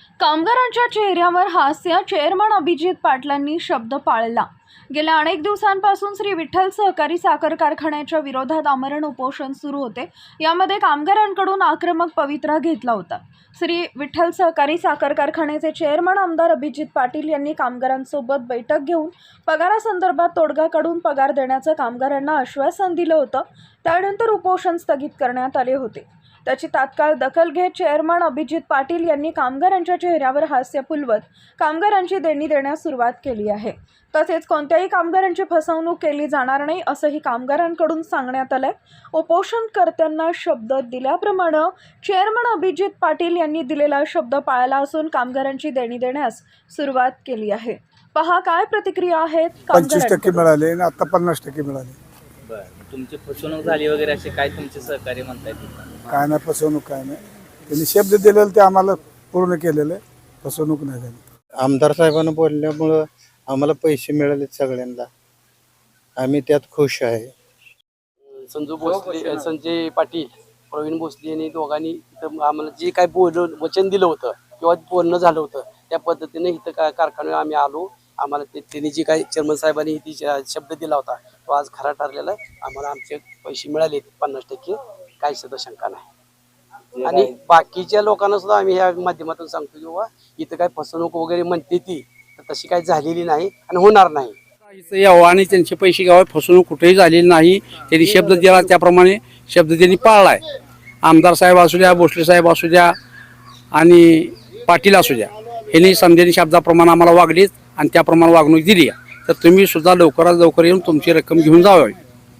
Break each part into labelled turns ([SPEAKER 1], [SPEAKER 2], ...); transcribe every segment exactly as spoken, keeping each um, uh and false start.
[SPEAKER 1] कामगारांच्या चेहऱ्यावर हास्य. चेअरमन अभिजित पाटलांनी शब्द पाळला. गेल्या अनेक दिवसांपासून श्री विठ्ठल सहकारी साखर कारखान्याच्या विरोधात आमरण उपोषण सुरू होते. यामध्ये कामगारांकडून आक्रमक पवित्रा घेतला होता. श्री विठ्ठल सहकारी साखर कारखान्याचे चेअरमन आमदार अभिजित पाटील यांनी कामगारांसोबत बैठक घेऊन पगारासंदर्भात तोडगा काढून पगार देण्याचं कामगारांना आश्वासन दिलं होतं. त्यानंतर उपोषण स्थगित करण्यात आले होते. त्याची तात्काळ दखल घेत चेअरमन अभिजित पाटील यांनी कामगारांच्या चेहऱ्यावर हास्य फुलवत कामगारांची देणी देण्यास सुरुवात केली आहे. तसेच कोणत्याही कामगारांची फसवणूक केली जाणार नाही असंही कामगारांकडून सांगण्यात आलंय. उपोषणकर्त्यांना शब्द दिल्याप्रमाणे चेअरमन अभिजित पाटील यांनी दिलेला शब्द पाळला असून कामगारांची देणी देण्यास सुरुवात केली आहे. पहा काय प्रतिक्रिया आहेत.
[SPEAKER 2] पंचवीस टक्के मिळाले आणि आता पन्नास टक्के मिळाले.
[SPEAKER 3] बरं, तुमची फसवणूक झाली वगैरे असे काय तुमचे सहकार्य म्हणतायत?
[SPEAKER 2] काय नाही फसवणूक काय नाही. त्यांनी शब्द दिलेलं ते आम्हाला पूर्ण केलेलं आहे. फसवणूक नाही झाली.
[SPEAKER 4] आमदार साहेबांना बोलल्यामुळं आम्हाला पैसे मिळाले सगळ्यांना. आम्ही त्यात खुश आहे.
[SPEAKER 5] संजू भोसले, संजय पाटील, प्रवीण भोसले यांनी दोघांनी इथं आम्हाला जे काय बोल वचन दिलं होतं किंवा बोलणं झालं होतं त्या पद्धतीने इथं काय कारखान्यावर आम्ही आलो. आम्हाला ते त्यांनी जे काही चेअरमन साहेबांनी ती शब्द दिला होता तो आज खरा ठरलेला आहे. आम्हाला आमचे पैसे मिळाले पन्नास टक्के, काही सुद्धा शंका नाही. आणि बाकीच्या लोकांना सुद्धा आम्ही ह्या माध्यमातून सांगतो की बाबा इथं काय फसवणूक वगैरे म्हणते ती तर तशी काही झालेली नाही आणि होणार नाही.
[SPEAKER 6] यावं आणि त्यांचे पैसे घ्यावे. फसवणूक कुठेही झालेली नाही. त्यांनी शब्द दिला त्याप्रमाणे शब्द त्यांनी पाळलाय. आमदार साहेब असू द्या, भोसले साहेब असू द्या आणि पाटील असू द्या, यांनी समजेनी शब्दाप्रमाणे आम्हाला वागलीत आणि त्याप्रमाणे वागणूक दिली. तर तुम्ही सुद्धा लवकरात लवकर येऊन तुमची रक्कम घेऊन जावी.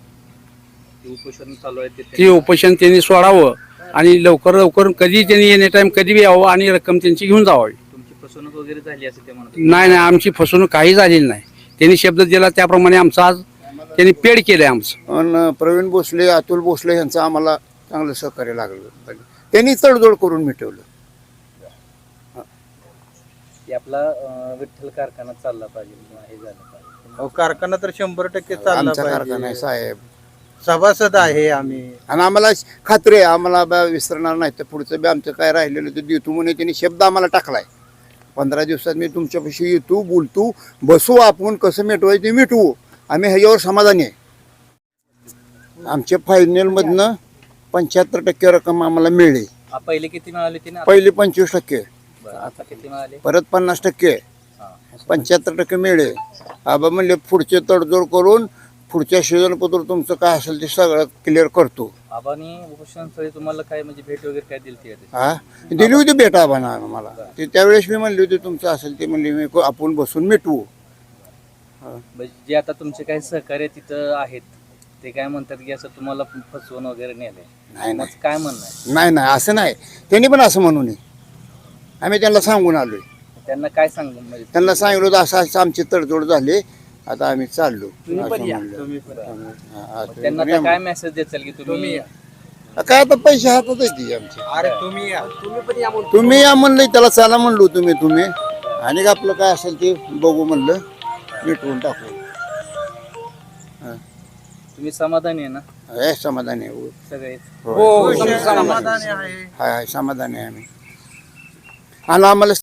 [SPEAKER 3] उपोषण चालू आहे
[SPEAKER 6] ते उपोषण त्यांनी सोडावं आणि लवकर लवकर कधी त्यांनी एनी टाइम कधी बी यावं आणि रक्कम त्यांची घेऊन जावी.
[SPEAKER 3] तुमची फसवणूक वगैरे झाली असं ते म्हणत?
[SPEAKER 6] नाही नाही, आमची फसवणूक काही झालेली नाही. त्यांनी शब्द दिला त्याप्रमाणे आमचं आज त्यांनी पेड केलंय आमचं.
[SPEAKER 4] आणि प्रवीण भोसले, अतुल भोसले यांचं आम्हाला चांगलं सहकार्य लागलं. त्यांनी तडजोड करून मिटवलं.
[SPEAKER 3] आपला विठ्ठल कारखाना चालला पाहिजे, हे झालं पाहिजे.
[SPEAKER 4] कारखाना तर शंभर टक्के चालला
[SPEAKER 2] आमचा कारखाना आहे
[SPEAKER 4] पाहिजे.
[SPEAKER 2] साहेब.
[SPEAKER 4] सभासद आहे आम्ही
[SPEAKER 2] आणि आम्हाला खात्री आहे आम्हाला बा विसरणार नाही. तर पुढचं बी आमचं काय राहिलेलं ते देतो म्हणून त्यांनी शब्द आम्हाला टाकलाय. पंधरा दिवसात मी तुमच्यापाशी येतो, बोलतो, बसू, आपण कसं मिटवायचं ते मिटवू. आम्ही ह्याच्यावर समाधानी आहे. आमच्या फायनलमधनं पंच्याहत्तर टक्के रक्कम आम्हाला मिळली.
[SPEAKER 3] पहिले किती मिळाले तिने?
[SPEAKER 2] पहिली पंचवीस टक्के,
[SPEAKER 3] आता किती मिळाले?
[SPEAKER 2] परत पन्नास टक्के, पंच्याहत्तर टक्के मिळले. आबा म्हणले पुढचे तडजोड करून पुढच्या सीझनपत्र तुमचं काय असेल ते सगळं क्लिअर करतो.
[SPEAKER 3] आबानी उपोषण स्थळी तुम्हाला काय म्हणजे भेट वगैरे काय दिली?
[SPEAKER 2] हा दिली होती भेट आबांना मला. ते त्यावेळेस मी म्हणली होती तुमचं असेल ते म्हणले मी आपण बसून मिटवू.
[SPEAKER 3] जे आता तुमचे काही सहकार्य तिथं आहेत ते काय म्हणतात की असं तुम्हाला फसवून वगैरे नेले?
[SPEAKER 2] नाही नाही
[SPEAKER 3] काय म्हणणं आहे?
[SPEAKER 2] नाही नाही असं नाही. त्यांनी पण असं म्हणू नये. आम्ही त्यांना सांगून आलोय.
[SPEAKER 3] त्यांना काय सांगू म्हणजे?
[SPEAKER 2] त्यांना सांगितलं होतं असं असं आमची तडजोड झाली, आता आम्ही चाललो.
[SPEAKER 3] त्यांना आता काय मेसेज द्याल की तुम्ही
[SPEAKER 2] काय आता पैसे हातात येते आमचे.
[SPEAKER 5] अरे तुम्ही तुम्ही पण या म्हणून
[SPEAKER 2] तुम्ही या म्हणलं, त्याला चला म्हणलो तुम्ही तुम्ही आणि आपलं काय असेल ते बघू म्हणलं, मिटवून टाकू.
[SPEAKER 3] तुम्ही समाधानी आहे ना?
[SPEAKER 2] हे समाधानी आहे
[SPEAKER 3] सगळे?
[SPEAKER 2] हो समाधानी आहे. हाय समाधानी आहे आम्ही. आणि आम्हाला